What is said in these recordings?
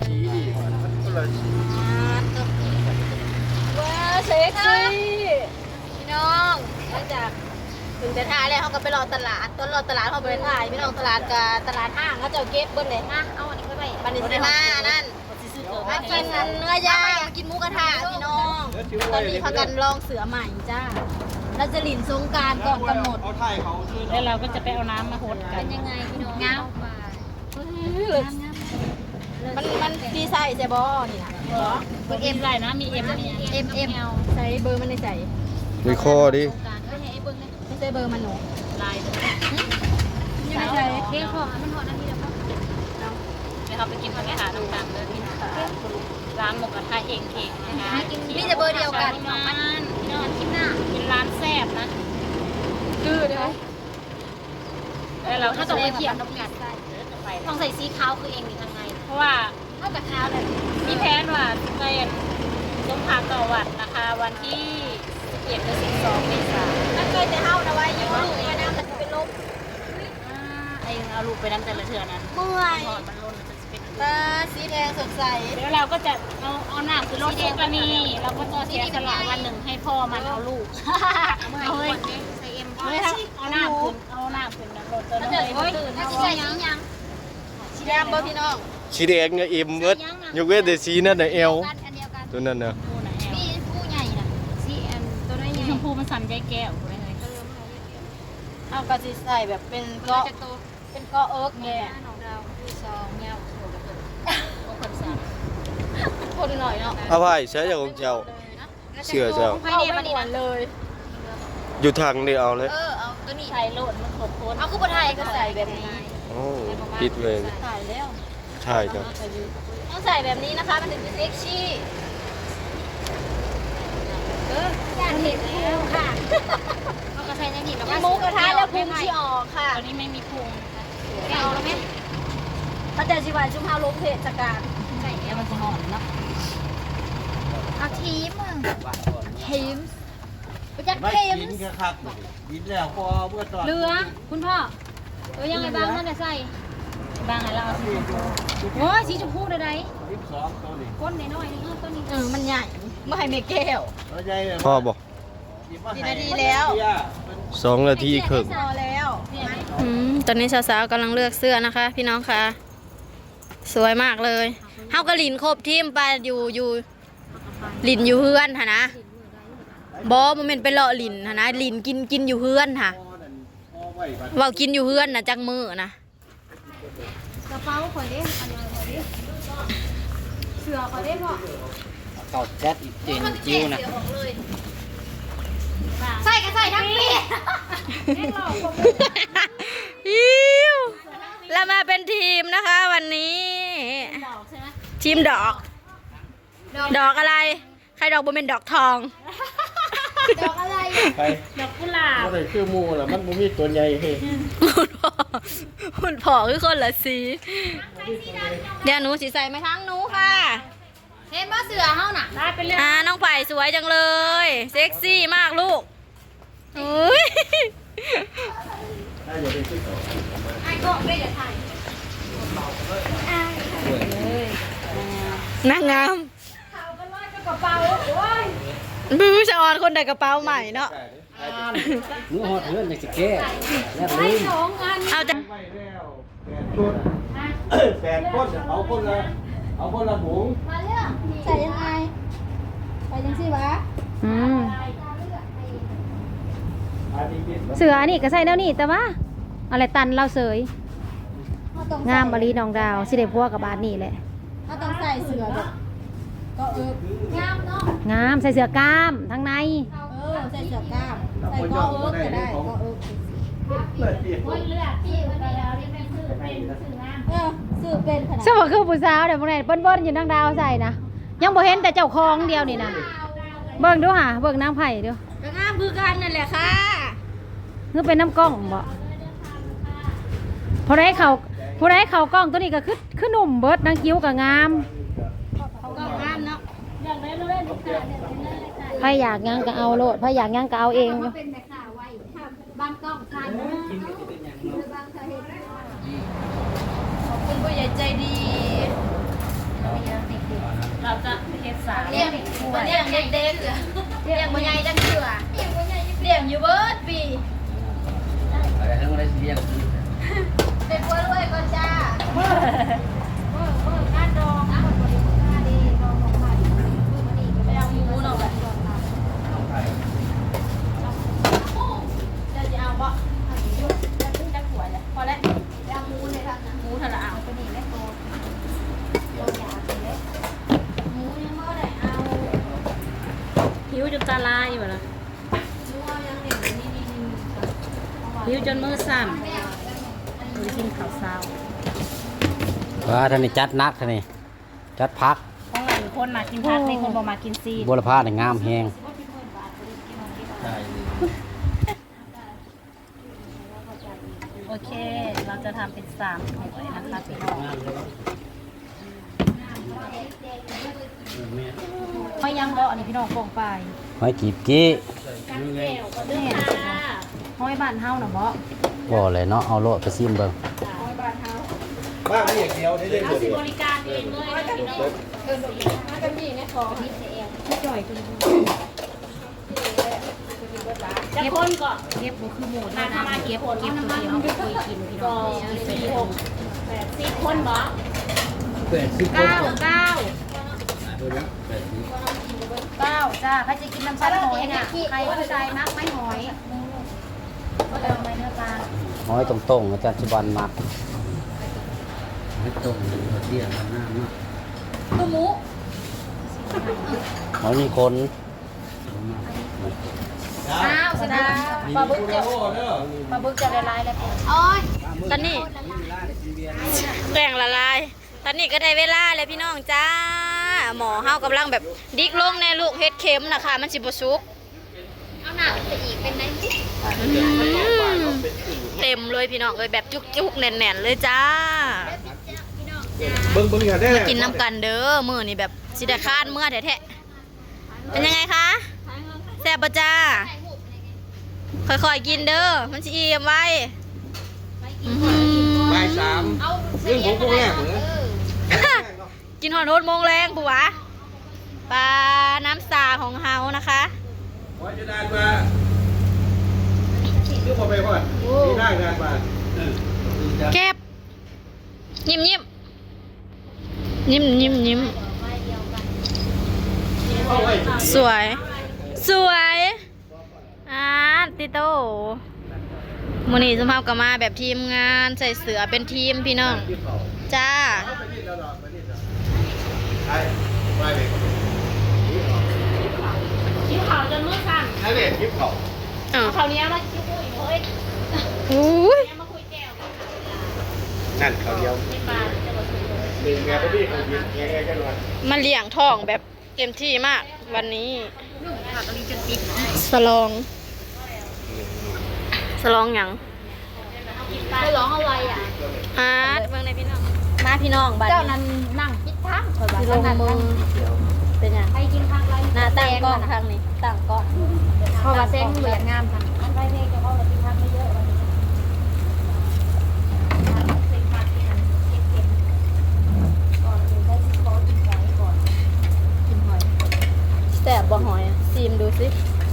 สีดีมันคนละสีว้าเซ็กซี่พี่น้องหลังจากถึงจะท่าแล้วเขาก็ไปรอตลาดต้นรอตลาดเขาไปถ่ายพี่น้องตลาดกับตลาดห้างเขาจะเก็บเบิ้ลเลยฮะเอาอันนี้ไปบันนี้สิมานั่นมากินเนื้อย่างมากินหมูกระทะพี่น้องตอนนี้พากันลองเสือใหม่จ้าเราจะหลินสงกรารก่อนกำหนดเอาไทยเขาชื่อแล้วเราก็จะไปเอาน้ำมาหดกัเป็น นยังไงพี่น้องเงามันดีไซน์ใช่บอนี่นะตัวเอ็มไรนะมีเอ็มมีเอ็มใส่เบอร์มันในใส่มีคอดิไม่ใช่เบอร์มันหนูลายไม่ใช่เรื่องของมันหดนั่นนี่แล้วก็เดี๋ยวเขาไปกินผักกาดน้ำตาลเลยพี่น้องร้านหมูกระทะเองเองนะคะมีแต่เบอร์เดียวกันมันนอนกินหน้าเป็นร้านแซ่บนะคือเดี๋ยวแล้วเราก็ต้ต้อองงไปไปเขีเขียยนนนกกัดใส่ต้องใส่สีขาวคือเองนี่ทางในเพราะว่าเท่ากับเท้าเลยมีแผนว่าจะส้มผักต่อวัดนะคะวันที่11 ถึง 12 เมษายนนั่นเคยจะเท่านะไว้อยู่ลูกมาน้ำมันจะเป็นลมไอ้เอาลูกไปนั่นแต่ละเทือนั้นเมื่อยถอดมันล้นมันจะเป็นตาสีแดงสดใสเดี๋ยวเราก็จะเอาหน้าคือรถทุกกรณีเราก็จะเสียสละวันหนึ่งให้พ่อมันเอาลูกเอาเลยเอาหน้าขึ้นนะรถตัวนั้นเลยตื่นน่าเอาจะใส่สียังสีแดงเบอร์พี่น้องสีแดงเนี่ยเอ็มเบิดยกเว้นแต่สีนั่นน่ะเอวอันเดียวกันตัวนั้นน่ะมีผู้ใหญ่นะสีแอมตัวน้อยใหญ่ชมพูมันสั่นใจแก้วเลยเอากระสีใส่แบบเป็นเกาะเป็นเกาะเอิร์กเนี่ยของเราคือซองเงี้ยคนสั่งคนหน่อยเนาะเอาไว้ใช้จากของเจ้าเชื่อเจ้าไม่ได้มันหวนเลยอยู่ทางนี่เอาเลยเอาตัวนี้ใส่โหลดมันขบโคนเอาคือคนไทยก็ใส่แบบนี้โอ้ปิดเลยใส่แล้วใช่ครับต้องใส่แบบนี้นะคะมันถึงจะเซ็กซี่อยากเห็นแล้วค่ะเอากระใส่ในนี่แล้วก็หมูกระทะแล้วพุงที่ออกค่ะตอนนี้ไม่มีพุงไม่เอาแล้วไหมพระเจ้าชิวาจุ่มเฮาลงเทศกาลใส่แล้วมันจะหอมเนาะเอาทีมทีมไปจัดไม่ทีมกินแค่คักกินแล้วพอเมื่อตอนเรือคุณพ่อตัวยังไงบ้างนั่นน่ะใส่บ้างไงเราเอาสีชมพูโอ้ยสีชมพูใด 12ตัวนี้ๆก้นน้อยๆนี่ต้นนี้มันใหญ่ไม่ให้เมแก้วตัวใหญ่เลยพ่อบอกกี่นาทีแล้ว 2 นาทีครึ่งพอแล้วตอนนี้สาวๆกำลังเลือกเสื้อนะคะ พี่น้องค่ะสวยมากเลยเฮากระลินครบทีมไปอยู่ลินอยู่เฮือนค่ะนะบอมันเป็นไปเลาะลินค่ะนะลินกินอยู่เฮือนค่ะเว่ากินอยู่เฮือนนะจังมือนะกระเป๋าข่อยเด้อันนี้ข่อยเด้เสือข่อยเด้พ่อต่อแจ็คเจนจิ้วนะใส่ก็ใส่ทั้งปีอิ้วเรามาเป็นทีมนะคะวันนี้ ทีมดอก ดอกอะไร ใครดอกบ่เป็นดอกทองดอกอะไรไปดอกกุหลาบก็เลยชื่อมูล่ะมันบ่มีตัวใหญ่เฮ้หุ่นผอคือคนละสีเดี๋ยวหนูสีใส่ไหมทั้งหนูค่ะเห็นบ่เสือเฮาน่ะได้เป็นเรื่องน้องไผ่สวยจังเลย เซ็กซี่มากลูกอุ้ยถ้าอย่าไปซื้อต่อไอ้ก็ไม่ได้ถ่ายนางงามมือชะออนคนใดกระเป๋าใหม่เนาะหนูหอดเพื่อนอยากจะแก้แล้วลืมเอาจะไปแล้ว8 คนเอาคนละหมูมาเรื่องใส่ยังไงใส่ยังสิวะอันนี้กินเสือนี่ก็ใส่แล้วนี่แต่ว่าอะไรตันเราเสย งามบรีน้องดาวสิได้พัวกับบาทนี่แหละเขาต้องใส่เสือแบบก็งามเนาะงามใส่เสือกล้ามทั้งในใส่เสือกล้ามใส่ก็ก็ได้ก็สื่อเป็นขนาดสมมติคือผู้สาวเดี๋ยวพวกนี้เบิ้ลๆอยู่น้องดาวใส่นะยังบ่เห็นแต่เจ้าของเดียวนี่นะเบิ่งดูหะเบิ่งนางไผ่ดูก็งามคือกันนั่นแหละค่ะคือเป็นน้ำกล้องบ่พอได้เขากล้องตัวนี้ก็คือหนุ่มเบิดนางคิ้วก็งามเขาก็งามเนาะไผอยากหยังก็เอาโลดไผอยากหยังก็เอาเองอยู่เป็นแม่ข่าไว้บ้านกล้องทานขอบคุณผู้ใหญ่ใจดีงเด็กเลี้ยงบ่ใหญ่จังเถื่อเลี้ยงอยู่เบิดปีอะไรทั้งอะไรเลี้ยงเป็นกล้วยรวยก่อนจ้าการดองนะบริการดีดองของใหม่ไปเอาหมูเนาะแบบจะเอาบ่จะขึ้นจะขวดเลยพอแล้วเอาหมูเลยค่ะหมูเท่าไหร่เอาไปนี่แม่โตหมูยังไม่ได้เอาหิวจนตาลายอยู่นะหิวจนมือสั่นดูกินข้าวเช้าว่าท่านนี่จัดนักท่านนี่จัดพักของหลายคนมากินผักในคนบอกมากินซีนบุรพาเนี่ยงามแฮงโอเค เราจะทำเป็น3ถ้วยนะคะพี่น้องไม่ยังบ่อันนี้พี่น้องกองไปหอยกีบกี้เนี่ยห้อยบ้านเฮาน่ะบ่บ่เลยเนาะเอาโลดไปซิมเบิ่งบ้านไม่อย่างเดียวได้เล่นเอาเดีสิยวบริการเองเลยนะพี่น้องจะคนก่อนเก็บบ่คือหมูนะถ้ามาเก็บตัวเดียวเอาไปคุยกินพี่น้อง4 6 8 10คนบ่ 80 9 9 80 จ้าใครจะกินน้ำซัดหอยน่ะใครผู้ชายมักไม่หอยก็เอาไปเนื้อปลาหอยตรงๆอาจารย์สุวรรณมักหอยตรงเตี้ยมันหน้ามากคือหมูหอยมีคนอ้าวสิดาปลาบึกจะละลายแล้วโอ้ยตอนนี้แป้งละลาย ตอนนี้ก็ได้เวลาแล้วพี่น้องจ้า หมอเฮากำลังแบบดิกลงในลูกเฮ็ดเข็มนะคะมันสิบ่สุกเอาหน้าไปอีกเป็นไงเต็มเลยพี่น้องเอ้ยแบบจุกๆแน่นๆเลยจ้าเบิ้งอย่าได้กินน้ำกันเด้อมื้อนี้แบบสิได้คร้านเมื่อแท้ๆเป็นยังไงคะแซ่บบ่จ้าค่อยๆกินเด้อมันสิอิ่มไว้อื้อหือบ่าย3เรื่องของพวกแรกเหมือนกินหอนโฮดโมงแรงผัวปลาน้ำสาของเฮานะคะว่าจะได้มายุบไปก่อนมีได้งานมาเก็บยิ้มยิ้มยิ้มยิ้มยิ้มสวยสวยติโต้มื้อนี้สมภาพก็มาแบบทีมงานใส่เสือเป็นทีมพี่น้องจ้าไปเลยคิ้วขาวจนมือสั่นนั่นเองคลิปเขาคราวนี้มาคิ้วอีกเฮ้ยอุ้ยมาคุยแก้วนั่นเขาเดียวไม่ปลาจะมาคุยหนึ่งแง่พี่เขายิงแง่กันวันมาเลี้ยงท้องแบบเต็มที่มากวันนี้สลองหยังไปร้องอะไรอ่ะเบิ่งในพี่น้องมาพี่น้องบัดเจ้านี้นั้นนั่งคิดทางคอยว่าลงมือเป็นหยังใครกินข้าวไรหน้าตั้งกล้องทางนี้ตั้งกล้องเพราะว่าแซงเหลืองามค่ะอันไรเนี่ยจะเอาเรากินข้าวไม่เยอะวันนี้เซ็งผักที่นั่นเก็บก่อนกินได้ขอกินไก่ก่อนกินหอยแซ่บบ่หอยอะซีมดูสิ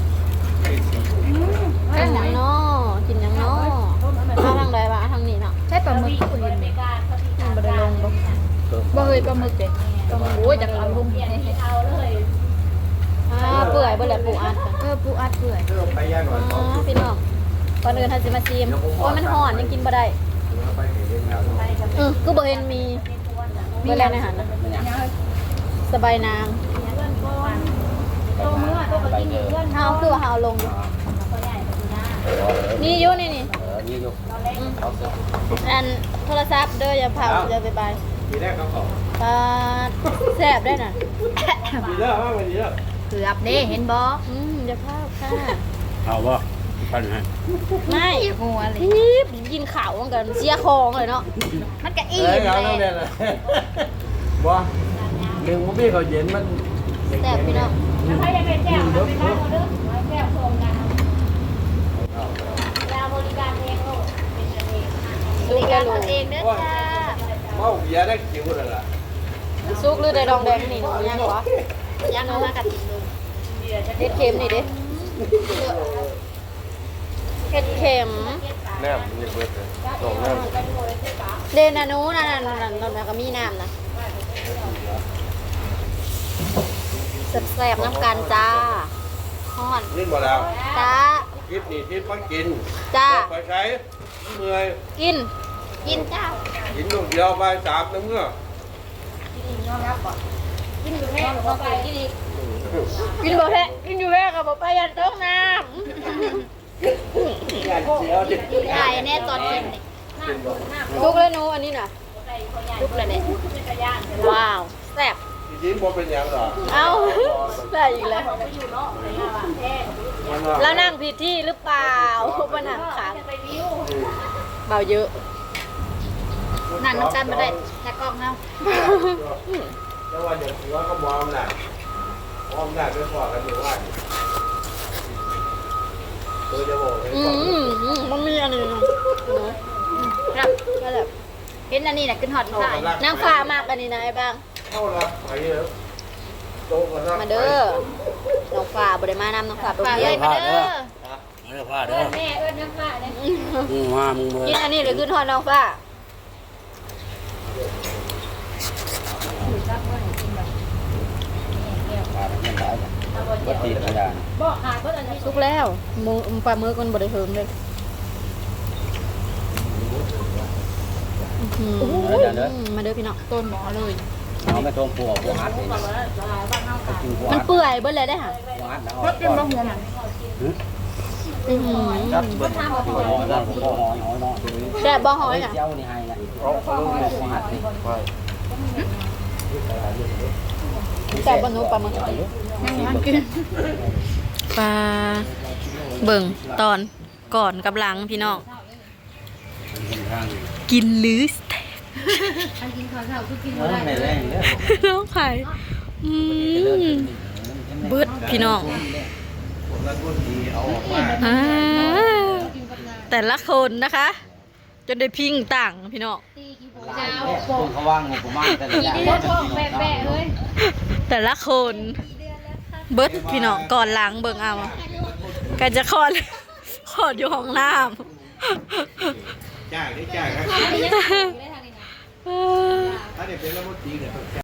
กินหยังน้อกินหยังน้อมาทางใดวะทางนี้เนาะใช่ปลาหมึกคุยในการปฏิบัติบ่ได้ลงบ่บ่เคยปลาหมึกเด็ดปลาหมึกโอ้ยจากเอาลงเปลี่ยนให้เอาเลยเปื่อยบ่แหละปูอัดอะปูอัดเปื่อยไปย่างก่อนพี่น้องก่อนอื่นท่านสิมาซีมโอ้ยมันห่อนยังกินบ่ได้ไปเห็นแล้วคือบ่เห็นมีเวลาในหันนะสบายนางโตเมื่อโตก็กินอยู่เพื่อนเฮาคือว่าเฮาเอาลงอยู่นี่อยู่นี่นี่ยกอันโทรศัพท์เด้ออย่าเผาอย่าไปบายมีแรกเขาเขาปลาแซ่บได้น่ะมีเลิกมากวันนี้เลิกเกือบเด้เห็นบ่อย่าเผาค่ะเอาบ่ปันให้ไม่หัวเลยกินข้าวกันเสียของเลยเนาะมันก็อิ่มเอาเลเนี่ยยเลยบ่เรื่องพี่เขาเย็นมันแซ่บพี่น้องใครจะเป็นแก้วเป็นข้าวเด้อแก้วส่งดาวดาวบริการเองโลดเป็นกันเองดูแกรู้เองเด้อจ้าเมาเบียร์ได้คิวเลยล่ะซุกหรือได้ดองแดงนี่หนูยังวะยังเอามากัดติดลงเห็ดเค็มนี่ดิเห็ดเค็มแนมมันยังเบิดเลยสองแนมเดนนานูนั่นก็มีน้ำนะแซ่บๆน้ำกันจ้าฮอนนี่บ่แล้วจ้าคิดนี่คิดมากินจ้าไปใช้เมื่อยกินจ้ากินลูกเดียวไปสามน้ำเมื่อกินบ่แพ้กินอยู่แพ้กับบ่ไปยันต้มน้ำถ่ายแน่ตอนกินนี่ลุกเลยหนูอันนี้น่ะลุกเลยเนี่ยว้าวแซ่บจริงๆบ่เป็นอย่างหรอเอ้าได้อีกแล้วแล้วนั่งผิดที่หรือเปล่ามานั่งขางเบาเยอะนั่งน้ำกันมาได้แต่กล้องเนาะแล้วว่าอย่างหัวก็มองหนักมองหนักไปพอกันอยู่ว่าตัวจะบอกเลยมันมีอันนี้ครับก็แบบเห็นอันนี้นะขึ้นหอดสายนางฟ้ามากอันนี้นะไอ้บ้างเข้าละไปเยอะโตกันนะมาเด้อน้องฟ้าบริมานำน้องฟ้าไปเรียนมาเด้อไม่ได้พลาดเด้อแม่เอิ้นน้ำปลาเลยมึงมามึงเมื่กินอันนี้หรือขึ้นหอดน้องฟ้าพลาดไม่ได้ปกติธรรมดาบอกขายเพิ่นอันนี้สุกแล้วมือปลามือกันบริเทิมเลย มาเด้อพี่น้องต้นหมอเลยเอาไม่ตรงปัวปัวฮัดเลยไปกินปัวมันฮัดเปื่อยเบิ้ลเลยได้ค่ะปัวฮัดแล้วก็เป็นมะหัวมันจับเบิ้ลปัวหอยแล้วปัวหอยเนาะแซ่บบ่หอยน่ะเจ้านี่ให้นะเอาลูกเนี่ยปัวฮัดนี่แซ่บบ่หนูปลาหมึกปลาเบิ่งตอนก่อนกับหลังพี่น้อง กินหรือสเต็กไม่แรงเนี่ยน้องไข่เบิดพี่น้องอ่าแต่ละคนนะคะจนได้พิงต่างพี่น้องคนเขาว่างงบประมาณแต่ละอย่างแบะเลยแต่ละคนเบิดพี่น้องก่อนหลังเบิ่งเอากันจะคลอดอยู่ห้องน้ำจ่ายได้จ่ายครับเออถ้าเด็กเป็นระบบตีเนี่ย